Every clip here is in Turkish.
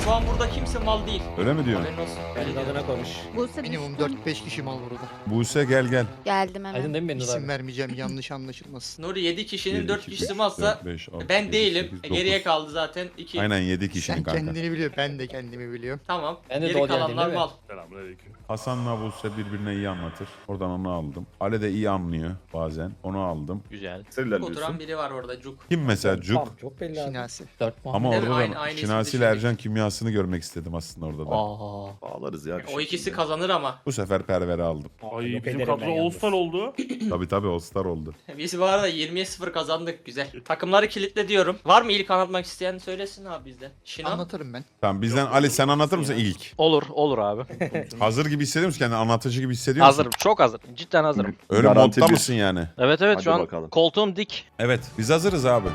Şu an burada kimse mal değil. Öyle mi diyorsun? Haberin olsun. Benim adına konuş. Buse Minimum düştüm. 4-5 kişi mal burada. Buse gel gel. Geldim hemen. Aydın değil mi benim İsim abi? vermeyeceğim yanlış anlaşılmasın. Nuri 7 kişinin 7, 4 2, kişisi 3, malsa 4, 5, 6, ben 7, değilim. 8, Geriye 9. kaldı zaten 2. Aynen 7 kişinin Sen kanka. kendini biliyor, ben de kendimi biliyorum. Tamam. Ben de Geri doğru kalanlar geldim, değil mal. mi? Selamünaleyküm. Hasan'la Buse birbirine iyi anlatır. Oradan onu aldım. Ali de iyi anlıyor bazen. Onu aldım. Güzel. Oturan biri var orada Cuk. Kim mesela Cuk? Tamam, çok belli abi. Şinasi. 4 puan. Ama Değil mi? orada Aynı- da aynı Şinasi isim ile düşündük. Ercan kimyasını görmek istedim aslında orada da. Aa. Bağlarız ya. bir O şekilde. ikisi kazanır ama. Bu sefer Perver'i aldım. Ay Yok bizim ederim kadro ben yalnız. All-Star oldu. Tabii All Star oldu. Biz bu arada 20'ye 0 kazandık. Güzel. Takımları kilitle diyorum. Var mı ilk anlatmak isteyen söylesin abi bizden. Şino. Anlatırım ben. Tamam bizden Ali sen anlatır mısın ilk? Olur abi. Hazır gibi hissediyor musun kendini? Anlatıcı gibi hissediyor musun? Hazırım. Çok hazır. Cidden hazırım. Öyle Garanti modda bir. mısın yani? Evet evet Hadi şu an bakalım. koltuğum dik. Evet biz hazırız abi.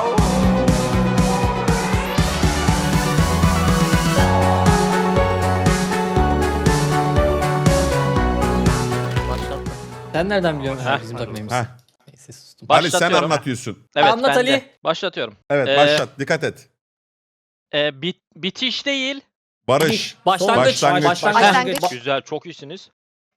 Başlattım. Sen nereden biliyorsun Heh. bizim takımıyız? Heh. Neyse sustum. Ali sen Başlatıyorum. anlatıyorsun. Evet Anlat ben de. Ali. Başlatıyorum. Evet başlat dikkat et. Bitiş değil. Barış. Başlangıç. Başlangıç. Başlangıç. Güzel çok iyisiniz.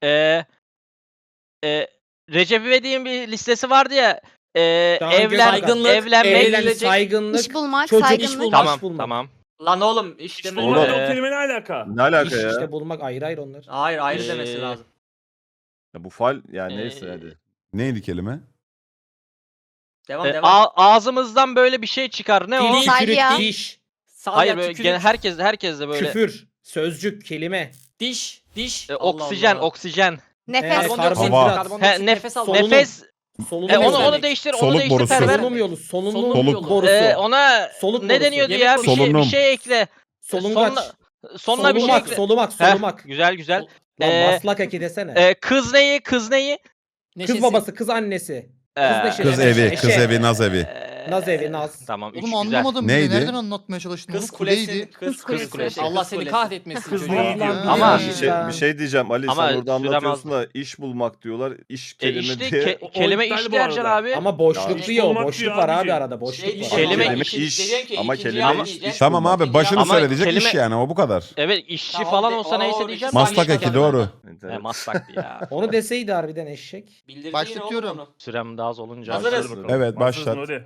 Recep İvedik'in bir listesi vardı ya. Saygınlık, evlenmek. saygınlık, İş bulmak, çocuk saygınlık. iş bulmak. Tamam iş bulmak. tamam. Lan oğlum işte İşte bu. oğlum. Ee, O kelime ne alaka? Ne alaka İş ya? işte bulmak ayrı ayrı onlar. Hayır ayrı Ee, demesi lazım. Ya bu fal yani Ee, neyse hadi. Neydi kelime? Devam devam. Ağzımızdan böyle bir şey çıkar. Ne o? Dili, Saygı ya. kürük, diş, Hayır böyle gene herkes de böyle. küfür, sözcük, kelime. Diş. Oksijen, Allah. oksijen. Nefes. karbondioksit, Hava. karbondioksit, Nefes solunum. nefes. Solunum Onu yolu. değiştir, onu Soluk değiştir borusu. Perver. Solunum yolu, solunum Soluk. borusu. Ona Soluk ne borusu. deniyordu Yemek ya? borusu. Bir Solunum. şey ekle. Solungaç. Sonuna bir şey Solumak, ekle. solumak, Heh, solumak. güzel güzel. Lan maslak eki desene. Kız neyi? Kız babası, kız annesi. Ee, neşesi. Kız Evet, evi, eşe. kız evi, naz evi. Naz evi, naz. Tamam, üç Oğlum güzel. anlamadım Neydi? bile. Nereden anlatmaya çalıştın? Kız Oğlum, kulesi. kuleydi. Kız kulesi. Allah seni kahretmesin Kız çocuğu. ne diyor? Ama- Bir şey diyeceğim Ali Ama sen orada sürem anlatıyorsun az. da iş bulmak diyorlar. İş kelime işte diye. kelime iptal iş bu Ercan arada. abi. Ama boşluk Ya, diyor, olmak boşluk diyor var abi abicim. arada, boşluk var. Kelime iş, ama kelime iş Tamam abi başını Ama söyle diyecek kelime- iş yani o bu kadar. Evet işçi Tamam, falan de- olsa Oo, neyse bir diyeceğim. şey Maslak Sanki eki doğru. Evet. Maslaktı ya. Onu deseydi harbiden eşek. Bildirdi Başlatıyorum. yine oğlum onu. Sürem daha az olunca. Hazırız. Evet, başlat. Hazırsın, hadi.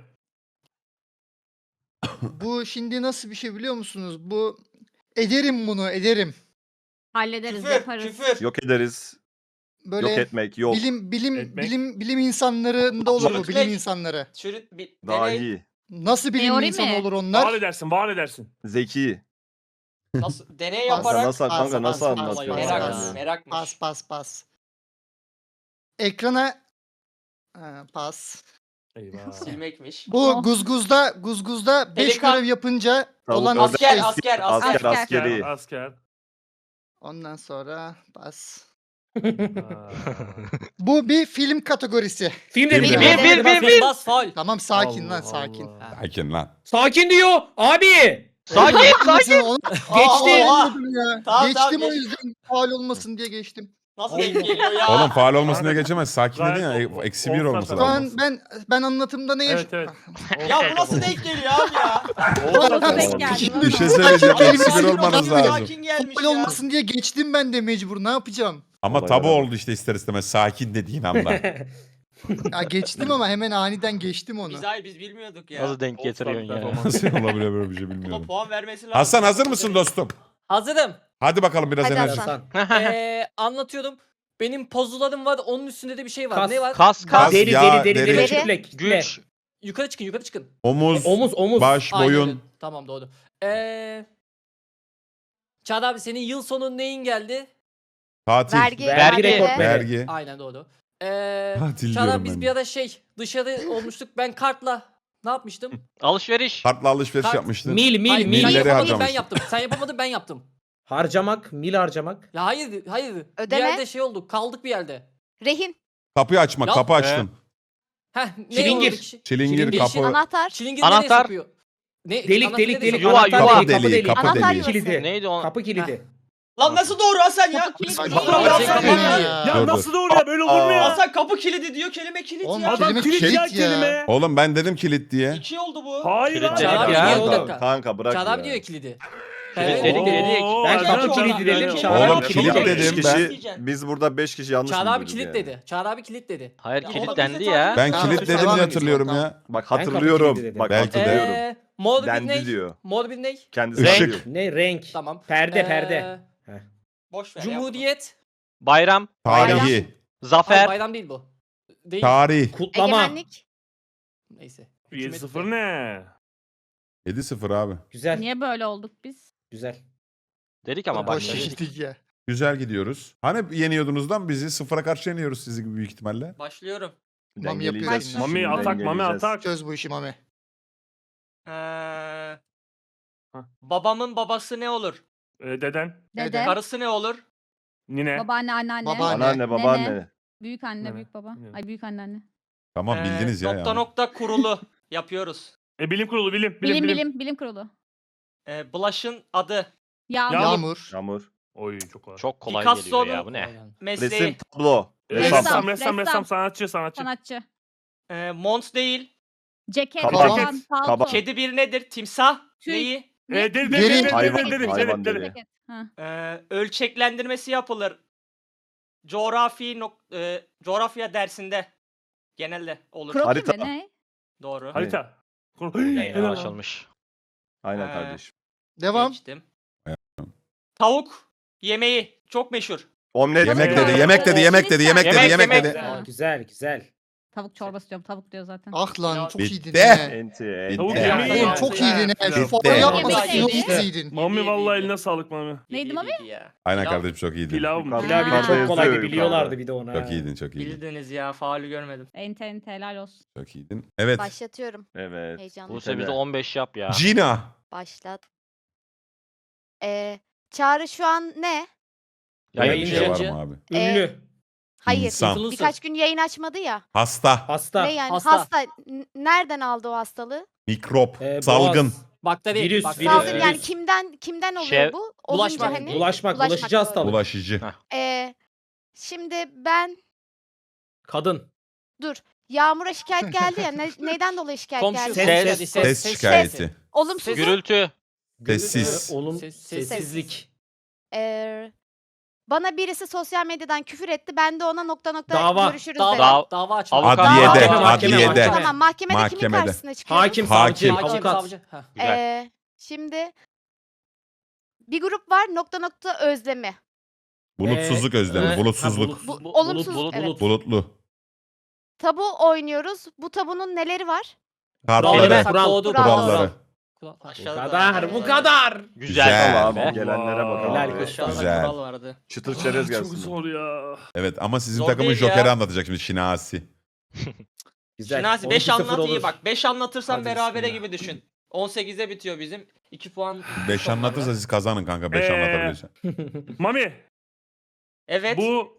Bu şimdi nasıl bir şey biliyor musunuz? Bu ederim bunu ederim. Hallederiz, Küfür. yaparız. Küfür. Yok ederiz. Böyle Yok etmek. Yok. Etmek. bilim insanlarında olur bu Çürütmek. bilim insanları. Çürüt bir Daha deney. iyi. Nasıl bilim Teori insanı mi? olur Var onlar? edersin, var edersin. Zeki. Nasıl deney Kanka yaparak. kanka nasıl pas, anlatıyorsun? pas, Merak, pas. yani? merakmış. Pas. Ekrana pas. Eyvah. Silmekmiş. Bu guzguzda 5 Pelikan. görev yapınca Tavuk olan ördek, Asker, şey. asker. Asker Asker. askeri. Asker. Ondan sonra pas. Aa. Bu bir film kategorisi. Film Film dedim. dedim. Bir. Bas faul. Tamam sakin Allah lan sakin. Allah. Sakin lan. Sakin diyor abi. Sakin sakin. Onu Geçti. anladım ya. Tamam, Geçtim tamam, o yüzden faal olmasın diye geçtim. Nasıl denk geliyor ya? Oğlum faal olmasına geçemez. Sakin Gayet dedin ya. o- Eksi bir olsa olması Şu tamam. lazım. an ben anlatımda ne Evet evet. Ya bu nasıl denk geliyor abi ya? Nasıl denk geldi? Bir şey söyleyeceğim. Sakin Eksi bir olun, olmanız sakin lazım. Sakin gelmiş faal ya. olmasın diye geçtim ben de mecbur. Ne yapacağım? Ama Olay tabu yarar. oldu işte ister istemez. Sakin dediğin anda. Ya geçtim ama hemen aniden geçtim onu. Biz bilmiyorduk ya. Nasıl denk getiriyorsun ya? Nasıl olabilir böyle bir şey Buna bilmiyorum. puan vermesi lazım. Hasan hazır mısın dostum? Hazırım. Hadi bakalım biraz Hadi enerji. Hasan. Anlatıyorum. Benim puzzle'larım var. Onun üstünde de bir şey var. Kas. Ne var? Kas Kas, Deri yağ, deri deri. deri kütlek. güç. Yukarı çıkın, yukarı çıkın. Omuz, Omuz. baş, Aynen öyle. boyun. Tamam doğru. Çağrı abi senin yıl sonu neyin geldi? Tatil. Vergi. Vergi vergi. rekortmeni. Vergi. Aynen doğru. Tatil Çağrı diyorum abi biz ben. bir ara dışarı olmuştuk. Ben kartla ne yapmıştım? Alışveriş. Kartla alışveriş Kart- yapmıştın. Hayır, Mil. sen Milleri yapamadın ben harcamıştın. yaptım. Sen yapamadın ben yaptım. Harcamak, mil harcamak. Ya hayır. Ödeme. Bir yerde şey oldu. Kaldık bir yerde. Rehin. Kapıyı açmak. Ya- Kapı açtın. Heh, ne Çilingir. oldu kişi? Çilingir, Çilingir. kapı. Anahtar. Çilingir Anahtar. nereye sokuyor? Ne? Delik anahtar delik nereye delik. Yuva, Anahtar yuva. deliği, kapı Deliği, deliği. kapı Anahtar deliği. yuvası. Kilidi. Neydi o? Kapı kilidi. Lan nasıl doğru Hasan ya? Kapı kilidi. Saçma. Vallahi Kapı Hasan kilidi. ya. Ya Dur, nasıl doğru ya? Böyle olur mu ya? Hasan kapı kilidi diyor kelime kilit Oğlum, ya. kelime Adam kilit ya kilit ya. kelime. Oğlum ben dedim kilit diye. 2 oldu bu. Hayır Kilit abi. dedik Çağrı abi ya. diyor, bir dakika. Kanka bırak Çağrı abi ya. diyor ya kilidi. Kilitledik Oo, dedik. Ben Ercan kapı çok kilidi iyi. dedim. Oğlum, Çağrı Oğlum abi kilit kilidi dedim Beş ben. kişi, biz burada 5 kişi yanlış mı Çağrı abi duyduk kilit yani? dedi. Çağrı abi kilit dedi. Hayır Ya kilitlendi bize ya. Ben Tamam, kilitledim devam diye edelim, hatırlıyorum tamam. ya. Bak kilidi hatırlıyorum. dedim. Bak Belki de. hatırlıyorum. Mor bir Dendi ne? diyor. Mor bir ne? Kendisi Işık. diyor. Ne renk? Tamam. Perde perde. Boş ver. Cumhuriyet. Bayram. Tarihi. Hayır, Zafer. bayram değil bu. Değil. Tarih. Kutlama. Egemenlik. Neyse. 7-0 ne? 7-0 abi. Güzel. Niye böyle olduk biz? Güzel. Dedik ama Boş başladık. yedik ya. Güzel gidiyoruz. Hani yeniyordunuz lan bizi? 0'a karşı yeniyoruz sizi gibi büyük ihtimalle. Başlıyorum. Mami Dengeleyeceğiz yapıyor. şimdi, Mami atak, Mami dengeleyeceğiz. atak. Çöz bu işi Mami. Babamın babası ne olur? Deden. Dede, Karısı ne olur? Nine. babaanne, anneanne, Babaanne. Anneanne, babaanne. büyük anne, Evet. büyük baba. Evet. Ay büyük anneanne. Tamam bildiniz ya. Nokta yani. nokta kurulu yapıyoruz. Bilim kurulu, bilim. Bilim kurulu. Blush'ın adı, Yağmur. Yağmur. Yağmur. Oy çok kolay. Çok kolay Picasso'nun- geliyor ya bu ne? mesleği, Resim, tablo. Ressam, Ressam. ressam, sanatçı. Sanatçı. mont değil, Ceket. Kabak. Kaban, palto. Kabak. kedi bir nedir? Timsah Tüy. neyi? Deri. Hayvan deri. Ceket. Ha. Ölçeklendirmesi yapılır. Coğrafya dersinde genelde olur. Kroki Harita. mi ne? Doğru. Harita. Yayına açılmış. Aynen Ee, kardeşim. Devam. Geçtim. Tavuk yemeği çok meşhur. Omlet. Yemek Yemek dedi, yemek dedi, yemek dedi, yemek dedi, yemek Yemek. dedi. Aa, güzel güzel. Tavuk çorbası diyorum. Tavuk diyor zaten. Ah lan çok Bitti. iyiydin he. Enti. Tavuk Bitti. yemeği. Oğlum çok iyiydin he. Şu Bitti. falan yapmasaydın Yemek çok neydi? iyiydin. Mami vallahi eline sağlık Mami. Neydi Mami? İyiydi ya. Aynen Pilav. kardeşim çok iyiydin. Pilav mı? Yukarıda- Pilav bir de yukarıda çok kolay yazıyor biliyorlardı yukarıda. bir de ona. Çok iyiydin, çok iyiydin. Bildiniz ya, faulü görmedim. Ente helal olsun. Çok iyiydin. Evet. Başlatıyorum. Evet. Heyecanlı. Buse bize 15 yap ya. Gina. Başlat. Çağrı şu an ne? Böyle bir şey var Yayıncı. mı abi? Ünlü. Hayır. İnsan. Birkaç gün yayın açmadı ya. Hasta. Hasta. Ne yani? Hasta. Hasta. Nereden aldı o hastalığı? Mikrop. Boğaz. Salgın. Bakteri. Virüs, bakteri. virüs. Salgın yani kimden oluyor Şey- bu? Bulaşmak. Olunca hani. Bulaşmak. Bulaşmak, Bulaşıcı doğru. hastalık. Bulaşıcı. Şimdi ben Kadın. Yağmur'a şikayet geldi ya. Neyden dolayı şikayet Komşu. geldi? Ses. Ses şikayeti. Olumsuz. Gürültü. Sessiz. Sessizlik. Bana birisi sosyal medyadan küfür etti. Ben de ona nokta Dava. görüşürüz dedim. Dava açmak. Avukat. Adliyede. Mahkeme, Adliyede. Tamam mahkemede kimin Mahkemede. karşısına çıkıyoruz? Hakim, Hakim. savcı, Hakim, avukat. savcı. Ha. Güzel. Şimdi bir grup var nokta özlemi. Bulutsuzluk özlemi. Evet. Bulutsuzluk. Ha, Bu, olumsuz. bulut, evet. Bulutlu. Tabu oynuyoruz. Bu tabunun neleri var? Kartları. Kuralları. Kuralları. Bu Aşağıda kadar. Bu kadar. Güzel. Güzel. Tamam be. gelenlere bakalım. Helal abi. olsun. Aşağıda Güzel. kural vardı. Çıtır çerez Çok gelsin. zor ya. Evet ama sizin Zor takımın değil ya. Joker'i anlatacak şimdi Şinasi. Güzel. Şinasi 5 12-0 anlat iyi olur. bak. 5 anlatırsan Hadi berabere bismillah. gibi düşün. 18'e bitiyor bizim. 2 puan. 5 anlatırsa siz kazanın kanka. 5 anlatabiliyorsan. Mami Evet. bu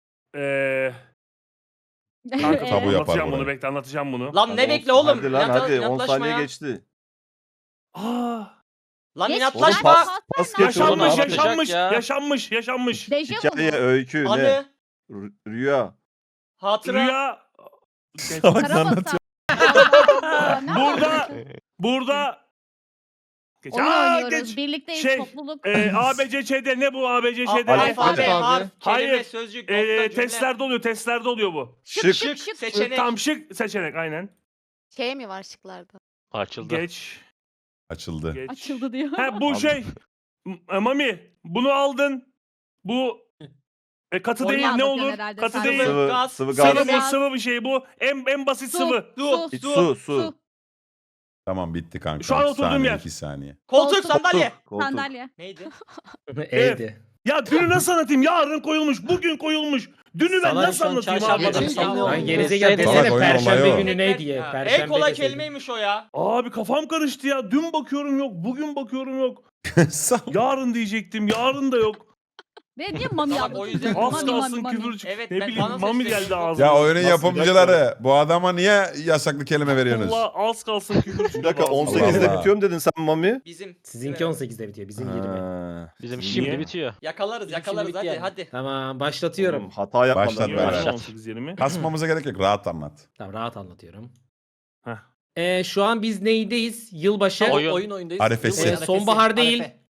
kanka Tabu yapar anlatacağım bunu burayı. bekle anlatacağım bunu. Lan ne bekle oğlum? Hadi lan hadi 10 inatlaşma saniye ya. geçti. Aa, Lan Geç, inatlaşma. Oğlum pas geç oğlum. yaşanmış anlatacak yaşanmış ya. yaşanmış. Dejavu Hikaye, mu? öykü, ne? Anı, Rüya. hatıra. Rüya Karamasa. burada burada geç. Onu Aa, oynuyoruz. geç. Birlikteyiz Şey, topluluk. ABC'de ne bu ABC'de? Alfabe, Alfabe. harf, kelime, Hayır. sözcük, nokta, cümle. Testlerde oluyor bu. Şık. Şık, seçenek. Tam şık seçenek aynen. Şey mi var şıklarda? Açıldı. Geç. Açıldı. Geç. Açıldı diyor. Ha bu şey. Mami bunu aldın. Bu katı Onu değil ne anlatıyorsun olur? herhalde Katı sen. değil. Sıvı. Sıvı, Gaz. sıvı Sıvı gaz. bu sıvı bir şey bu. En basit Su. sıvı. Su, İç, su. su. Tamam bitti kanka. Şu an İki oturduğum saniye, yer. 2 saniye. Koltuk, sandalye. Koltuk. Sandalye. Neydi? Evdi. Ya dünü nasıl anlatayım? Yarın koyulmuş, bugün koyulmuş. Dünü ben Sana nasıl şu an anlatayım çarşamba abi? da- Sallı Lan oldu. gerizekalı Salak desene oyun perşembe olayı o. günü ne diye. Ha, Perşembe en kolay deseydin. kelimeymiş o ya. Abi kafam karıştı ya. Dün bakıyorum yok, bugün bakıyorum yok. Sağ ol. Yarın diyecektim, yarın da yok. Ve niye mami Tamam, yaptın? o yüzden- Az Mami, kalsın mami. küfür çık. Evet, Ne ben- bileyim bana mami seslendim. geldi ağzıma. Ya oyunun Nasıl, yapımcıları bu adama niye yasaklı kelime veriyorsunuz? Allah az kalsın küfür çıktı. Bir dakika ağzıma. 18'de Allah. bitiyorum dedin sen Mami. Bizim. Sizinki 18'de bitiyor. Bizim 20. Ha. Bizim Niye? şimdi bitiyor. Yakalarız Bizim yakalarız şimdi hadi bitti yani. hadi. Tamam başlatıyorum. Oğlum, hata yapmadan. Başlat Niye beyler. öyle Başlat. 18 yerimi? Kasmamıza gerek yok. Rahat anlat. Tamam rahat anlatıyorum. Heh. Şu an biz neydeyiz? Yılbaşı. Oyun. Oyun oyundayız. Arifesi. Yılbaşı Sonbahar değil. Arife.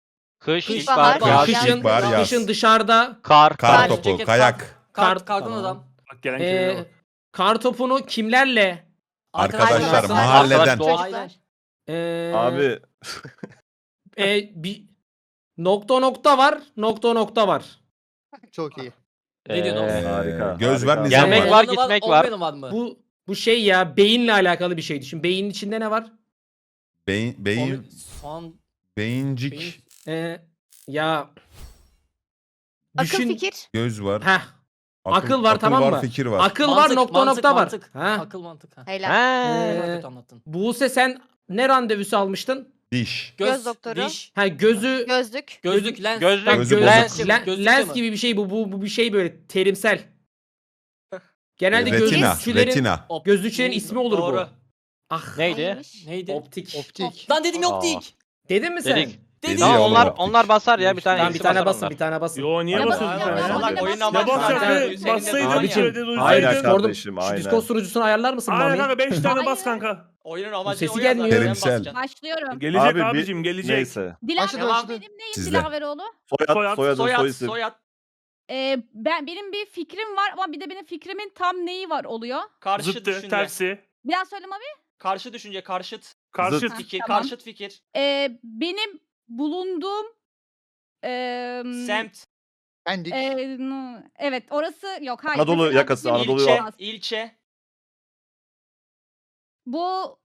Kış, Kış, ilkbahar, bahar, yaz, Kışın, ilkbahar, yaz. kışın dışarıda kar. Kar Kar, topu, ceket, kayak. Kardan tamam. adam. Bak gelen kelime bak. kar topunu kimlerle? Arkadaşlar, Arkadaşlar, mahalleden. Arkadaş, Aynen. Abi Bir nokta var, nokta var. Çok iyi. Ne diyorsun oğlum? Harika, Göz var, harika. nizam Gelmek var. var, Olmayanı gitmek var. olmayanı var mı? Bu şey ya beyinle alakalı bir şey düşün. Beynin içinde ne var? Beyin, Son beyincik, Ya Akıl düşün. fikir. göz var. Heh, akıl var, tamam mı? Fikir var. akıl mantık, var, nokta mantık, var. mantık. Ha. Akıl mantık. Ha. Helal. He. Çok Ee, kötü anlattın. Buse sen ne randevusu almıştın? Diş. Göz doktoru. Diş, Ha gözü Gözlük. gözlük, lens. Gözlük, Tamam, Gözü göz- bozuk. lens gibi bir şey bu bir şey böyle terimsel. Genelde Retina, gözlükçülerin retina. gözlükçülerin ismi olur Doğru. bu. Ah. Neydi? Neymiş? Neydi? Optik. Optik. Lan dedim yok Aa. dik. Dedin mi sen? Dedik. Dedim. Tamam oğlum, onlar optik. onlar basar ya bir tane. Tamam bir ikisi tane basar basın, onlar. bir tane basın. Yo niye Ne basıyorsun basıyor? sen ya? Salak, oyun Ne amaçlı. basacaktı? Senin de Bassaydın Aynen. hiç öyle Aynen duysaydın. Sordum. kardeşim, Şu aynen. Discord sunucusunu ayarlar mısın Aynen Mami? kanka 5 tane bas Hayır. kanka. Oyunun amacı sesi o ya gelmiyor. zaten, Terimsel. basacaksın. Başlıyorum. Gelecek Abi bir- abicim gelecek. Neyse. Başladı, Devam. başladı. Benim neyim Sizde. Dilaveroğlu? Soyad, soyadı, soy Soyad, isim. soyad. Benim bir fikrim var ama bir de benim fikrimin tam neyi var oluyor. Karşı Zıttı, düşünce. tersi, Bir daha söyle Mavi. Karşı düşünce, karşıt karşıt. Zıt. fikir, Tamam. karşıt fikir. Benim bulunduğum Semt, Pendik. evet orası yok hayır. Anadolu mesela yakası, bizim Anadolu ilçe, yok. ilçe. Bu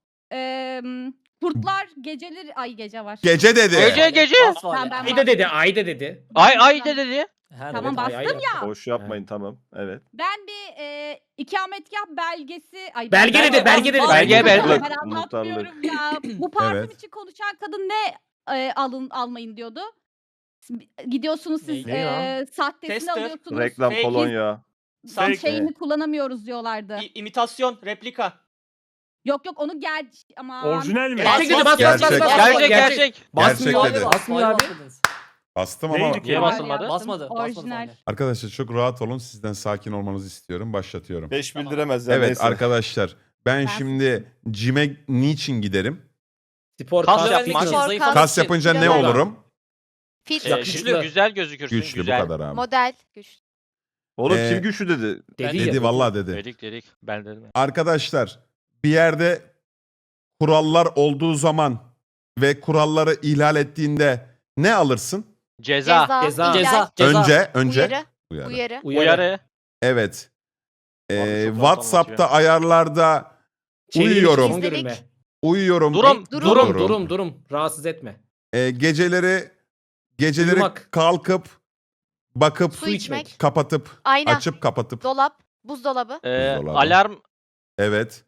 kurtlar geceleri ay gece var. Gece dedi. Gece. Bas var ya. Ben Ayda dedi, ayda dedi. Ay de dedi. Ha, Tamam, evet. Ay, bastım ay, ya. Boş yapmayın tamam. Evet. Ben bir ikametgah belgesi Belge dedi, belge dedi. Belge, belge. Ben Muhtarlık. anlatmıyorum ya. Bu parfüm Evet. için konuşan kadın ne almayın diyordu. Gidiyorsunuz siz Ne ya? sahtesini Tester. alıyorsunuz. Reklam Fake. kolonya. Tam Fake. şeyini kullanamıyoruz diyorlardı. İmitasyon, replika. Yok onu ama Orijinal mi? Gerçek dedi, bas bas bas Gerçek. bas. Gerçek gerçek. Basmıyor Gerçek abi, dedi. basmıyor abi. Bastım ama Neydi ki? Niye basılmadı? Basmadı. Orijinal. arkadaşlar çok rahat olun. Sizden sakin olmanızı istiyorum. Başlatıyorum. 5 bildiremez ya Evet neyse. arkadaşlar ben şimdi cime niçin giderim? Spor Kas kas yapmak. fitness. Spor, Kas yapınca ne Güzel. olurum? Fit. Yakışıklı. Güzel gözükürsün. Güçlü güzel. bu kadar abi. Model. Güç. Oğlum Ee, kim güçlü dedi? Dedi Dedi ya. vallahi dedi. Dedik. Ben dedim. Arkadaşlar bir yerde kurallar olduğu zaman ve kuralları ihlal ettiğinde ne alırsın? Ceza. Ceza. Ceza. Önce Uyarı. uyarı. Uyarı. Uyarı. Evet. Abi çok rahat WhatsApp'ta anlatıyor. ayarlarda Çeviri uyuyorum. son görünme. Uyuyorum. Durum. Durum. Rahatsız etme. Geceleri Uyumak. kalkıp bakıp Su içmek. kapatıp Ayna. açıp kapatıp. Dolap. Buzdolabı. Buzdolabı. Alarm. Evet.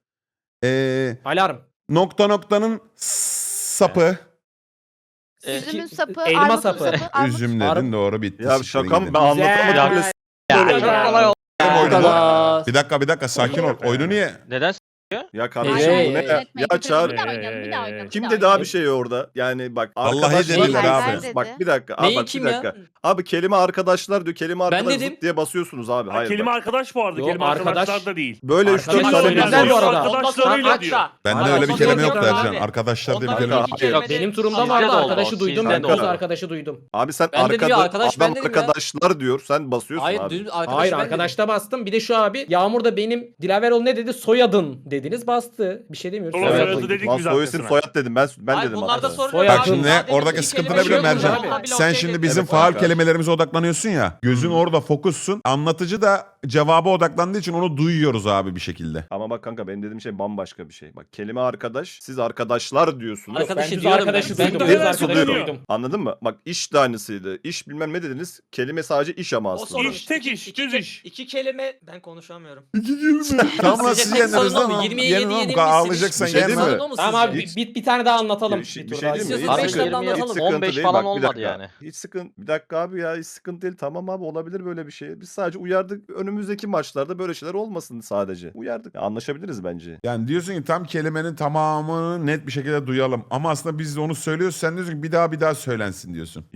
Alarm. Noktanın sapı. Üzümün sapı. Elma armutun sapı. armut. Üzüm Armut. dedin doğru bitti. Ya Siktirin şaka mı? gidin. Ben Güzel. anlatamadım bile. Ya, Böyle çok ya. kolay oldu. Oyunu bu. Kadar. Bir dakika sakin ol. Oyunu niye? Neden? Ya kardeşim Hey, bu ne hey, ya? Ya Çağrı. Bir daha oynayalım, bir daha oynayalım. Kim bir dedi daha abi şey orada? Yani bak Vallahi arkadaşlar dediler diyorsunuz. abi. Bak bir dakika. Abi Neyin bak kim bir ya? dakika. Abi kelime arkadaşlar diyor. Kelime arkadaş dedim. zıt diye basıyorsunuz abi. Ha, Hayır kelime bak. arkadaş bu arada. Yo, kelime arkadaş- arkadaşlar da değil. Böyle 3-4 Arkadaş tane söylediler bilmiyorum. bu arada. Arkadaşlarıyla diyor. Bende Hayır, öyle bir ondan kelime sonra yoktu yok Ercan. abi. Arkadaşlar diye bir Ondan kelime sonra yok. iki Yok kelime- benim turumda Sizde vardı de oldu, arkadaşı duydum. sizde Ben de kız oldu. arkadaşı duydum. Abi sen Ben de diyor, arkadaş, ben adam dedim ya. arkadaşlar diyor. Sen basıyorsun Hayır, abi. düz arkadaş Hayır ben dedim. arkadaşta bastım. Bir de şu abi Yağmur da benim Dilaveroğlu ne dedi? Soyadın dediniz bastı. Bir şey demiyoruz. Oğlum, Soyadın. soyadı dedik Lan biz soy isim arkasına. soyad dedim. Ben Hayır, dedim bunlarda hatta. sorun Soyad. yok Bak abi. şimdi Sadece oradaki iki sıkıntı kelime ne biliyor musun yok. Ercan? abi. Sen şimdi bizim Evet, faal kanka. kelimelerimize odaklanıyorsun ya. Gözün orada fokussun. Anlatıcı da cevaba odaklandığı için onu duyuyoruz abi bir şekilde. Ama bak kanka benim dediğim şey bambaşka bir şey. Bak kelime arkadaş, siz arkadaşlar diyorsunuz. Yok, ben Arkadaşı düz diyorum arkadaşı ben. duydum. Ben Düz de öyle arkadaşı söylüyorum. duydum. Anladın mı? Bak iş de aynısıydı. İş bilmem ne dediniz. Kelime sadece iş ama O aslında. sorun. İş, tek iş, düz iş. İki kelime ben konuşamıyorum. Tamam lan Sizce siz tek yendiniz sorun o mu? lan. 20'ye Yenin 7 lan, yenilmişsiniz. ağlayacaksan Bir şey yen değil lan. mi? Sorun o mu Tamam sizce? abi bir tane daha anlatalım. Bir şey Bir değil tur daha. mi? İstiyorsanız Hiç beş sıkıntı- tane hiç anlatalım. sıkıntı 15 değil. falan Bak, bir olmadı dakika. yani. Hiç sıkıntı. Bir dakika abi ya hiç sıkıntı değil. Tamam abi olabilir böyle bir şey. Biz sadece uyardık. Önümüzdeki maçlarda böyle şeyler olmasın sadece. Uyardık. Ya, anlaşabiliriz bence. Yani diyorsun ki tam kelimenin tamamını net bir şekilde duyalım. Ama aslında biz de onu söylüyoruz. Sen diyorsun ki bir daha söylensin diyorsun. Yok.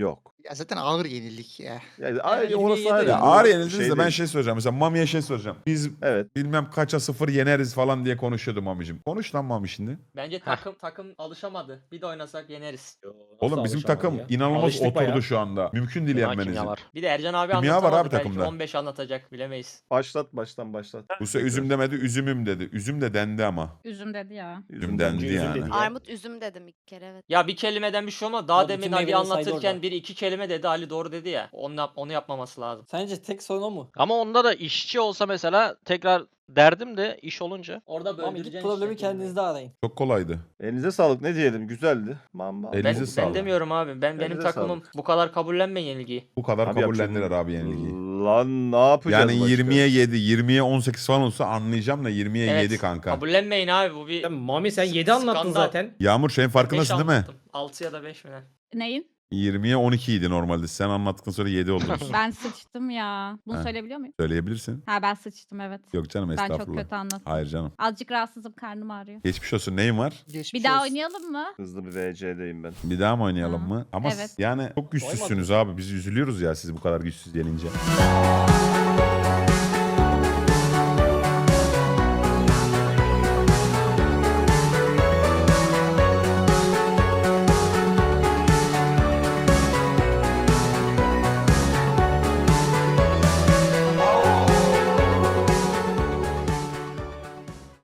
Ya zaten ağır yenildik ya. Yani, Yani orası 27 ayrı. Ya Bu ağır bir yenildiniz de ben değil. şey soracağım. Mesela Mami'ye şey soracağım. Biz Evet. bilmem kaça 0 yeneriz falan diye konuşuyordu Mami'cim. Konuş lan Mami şimdi. Bence takım alışamadı. Bir de oynasak yeneriz. Oğlum bizim alışamadı takım ya? inanılmaz Alıştık oturdu bayağı. şu anda. Mümkün değil Kimya yenmenizi. var. Bir de Ercan abi Kimya var anlatamadı. abi Belki takımda. 15 anlatacak bilemeyiz. Baştan başlat. Bu sefer üzüm demedi, üzümüm dedi. Üzüm de dendi ama. Üzüm dedi ya. Üzüm dendi Üzüm yani. dedi. Armut üzüm dedim ilk kere evet. Ya bir kelimeden bir şey olmaz. Daha Abi demin bütün Ali meyveleri saydı anlatırken orada. biri 2 kelime dedi. Ali doğru dedi ya. Onu yapmaması lazım. Sence tek sorun o mu? Ama onda da işçi olsa mesela tekrar derdim de iş olunca. Orada Ama gidip böldüreceksin problemi işte kelimeyi. kendinizde arayın. Çok kolaydı. Elinize sağlık ne diyelim güzeldi. Mamba. Elinize Ben sağlık. demiyorum abi. Benim Elinize takımım bu kadar kabullenmeyin yenilgiyi. Bu kadar Abi kabullendiler yapacak- abi yenilgiyi. Lan ne yapacağız Yani başka? 20'ye 7, 20'ye 18 falan olsa anlayacağım da 20'ye Evet. 7 kanka. Kabullenmeyin abi bu bir... Ya Mami sen 7 anlattın Skandal. zaten. Yağmur şeyin farkındasın değil mi? 6 ya da 5 mi ne? Neyin? 20'ye 12 idi normalde. Sen anlattıktan sonra 7 oldunuz. Ben sıçtım ya. Bunu Ha. söyleyebiliyor muyum? Söyleyebilirsin. Ha ben sıçtım evet. Yok canım Ben çok estağfurullah. kötü anlattım. Hayır canım. Azıcık rahatsızım, karnım ağrıyor. Geçmiş olsun. Neyin var? Geçmiş Bir daha olsun. oynayalım mı? Hızlı bir VC'deyim ben. Bir daha mı oynayalım Ha, mı? Ama evet. yani çok güçsüzsünüz abi. Biz üzülüyoruz ya siz bu kadar güçsüz gelince.